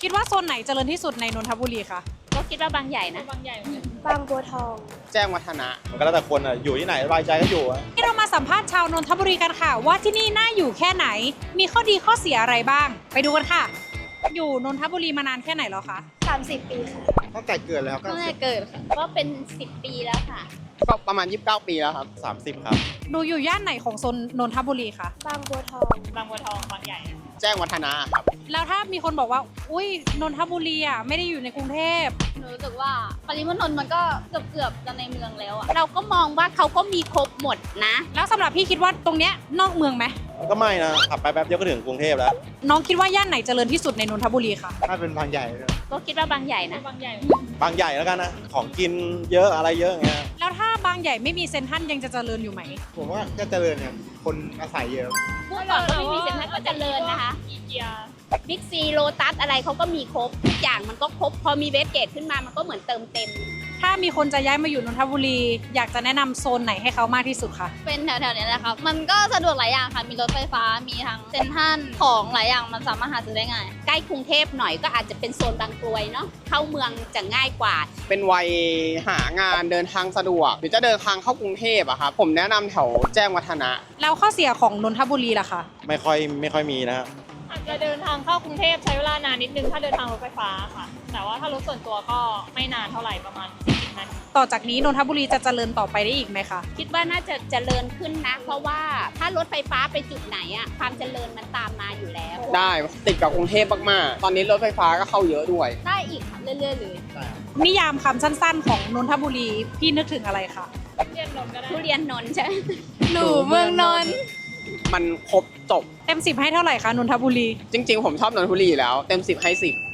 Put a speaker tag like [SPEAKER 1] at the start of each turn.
[SPEAKER 1] คิดว่าโซนไหนเจริญที่สุดในนนทบุรีคะ
[SPEAKER 2] ก็คิดว่าบางใหญ่นะ
[SPEAKER 1] บางใหญ่
[SPEAKER 3] บางบัวทอง
[SPEAKER 4] แจ้งวัฒนะ
[SPEAKER 5] มันก็แล้วแต่คนอ่ะอยู่ที่ไหนสบายใจก็อยู่อะ
[SPEAKER 1] ที่เรามาสัมภาษณ์ชาวนนทบุรีกันค่ะ ว่าที่นี่น่าอยู่แค่ไหน มีข้อดีข้อเสียอะไรบ้าง ไปดูกันค่ะ อยู่นนทบุรีมานานแค่ไหนแล้วคะ
[SPEAKER 3] 30 ปีค่ะ
[SPEAKER 4] ตั้งแต่เกิดแล้วก็
[SPEAKER 2] ตั้งแต่เกิดค่ะก็เป็น 10 ปีแล้วค่ะ
[SPEAKER 4] ก็ประมาณ 29 ปีแล้วครับ
[SPEAKER 5] 30 ครับ
[SPEAKER 1] ดูอยู่ย่านไหนของโซนนนทบุรีคะ
[SPEAKER 3] บางบัวทอง
[SPEAKER 1] บางบัวทองบางใหญ่
[SPEAKER 4] แจ้งวัฒนะครับ
[SPEAKER 1] แล้วถ้ามีคนบอกว่า อุ้ยนนทบุรีอ่ะไม่ได้อยู่ในกรุงเทพ
[SPEAKER 2] หนูรู้สึกว่าปริมณฑลมันก็เกือบจะในเมืองแล้วอะเราก็มองว่าเขาก็มีครบหมดนะ
[SPEAKER 1] แล้วสำหรับพี่คิดว่าตรงเนี้ยนอกเมืองไหม
[SPEAKER 5] มันก็ไม่นะขับไปแป๊บเดียวก็ถึงกรุงเทพแล้ว
[SPEAKER 1] น้องคิดว่าย่านไหนเจริญที่สุดในนนทบุรีคะ
[SPEAKER 4] ถ้าเป็นบางใหญ่
[SPEAKER 2] ก็คิดว่าบางใหญ่นะ
[SPEAKER 1] บางใหญ่
[SPEAKER 5] บางใหญ่แล้วกันนะ ของกินเยอะอะไรเยอะอย่างเงี้ย
[SPEAKER 1] แล้วถ้าบางใหญ่ไม่มีเซ็นทรัลยังจะเจริญอยู่ไหม
[SPEAKER 4] ผมว่าก็เจริญเนี่ยคนอาศัยเยอะ
[SPEAKER 2] เมื่อก่อนก็ไม่มีเซ็นทรัลก็เจริญนะคะบิ๊กซีโลตัสอะไรเขาก็มีครบทุกอย่างมันก็ครบพอมีเวสเกตขึ้นมามันก็เหมือนเติมเต็ม
[SPEAKER 1] ถ้ามีคนจะย้ายมาอยู่นนทบุรี อยากจะแนะนำโซนไหนให้เขามากที่สุดคะ
[SPEAKER 2] เป็นแถวๆนี้แหละครับมันก็สะดวกหลายอย่างค่ะมีรถไฟฟ้ามีทั้งเซ็นทรัลของหลายอย่างมันสามารถหาซื้อได้ง่ายใกล้กรุงเทพหน่อยก็อาจจะเป็นโซนบางกรวยเนาะเข้าเมืองจะง่ายกว่า
[SPEAKER 4] เป็นวัยหางานเดินทางสะดวก หรือจะเดินทางเข้ากรุงเทพอะครับผมแนะนำแถวแจ้งวัฒนะ
[SPEAKER 1] แล้วข้อเสียของนนทบุรีล่ะคะ
[SPEAKER 5] ไม่ค่อยมีนะฮะ
[SPEAKER 6] อาจจะเดินทางเข้ากรุงเทพใช้เวลานานนิดนึงถ้าเดินทางรถไฟฟ้าค่ะ แต่ว่าถ้ารถส่วนตัวก็ไม่นานเท่าไหร่ประมาณ40นาที
[SPEAKER 1] ต่อจากนี้นนทบุรีจะเจริญต่อไปได้อีกไหมคะ
[SPEAKER 2] คิดว่าน่าจะเจริญขึ้นนะ เพราะว่าถ้ารถไฟฟ้าไปจุดไหนอะความเจริญมันตามมาอยู่แล้ว
[SPEAKER 4] ได้ติดกับกรุงเทพมากๆ ตอนนี้รถไฟฟ้าก็เข้าเยอะด้วย
[SPEAKER 2] ได้อีกค่ะเรื่อยๆเลย
[SPEAKER 1] นิยามคำสั้นๆ ของนนทบุรีพี่นึกถึงอะไรคะ
[SPEAKER 6] เรียนนนท์ก็ได้
[SPEAKER 2] ทุเรียนนนท์ใช่ไหม
[SPEAKER 1] หนูเมืองนนท์
[SPEAKER 4] มันครบจบ
[SPEAKER 1] เต็ม10ให้เท่าไหร่คะนนทบุรี
[SPEAKER 4] จริงๆ ผมชอบนนทบุรีอยู่แล้ว เต็ม 10 ให้ 10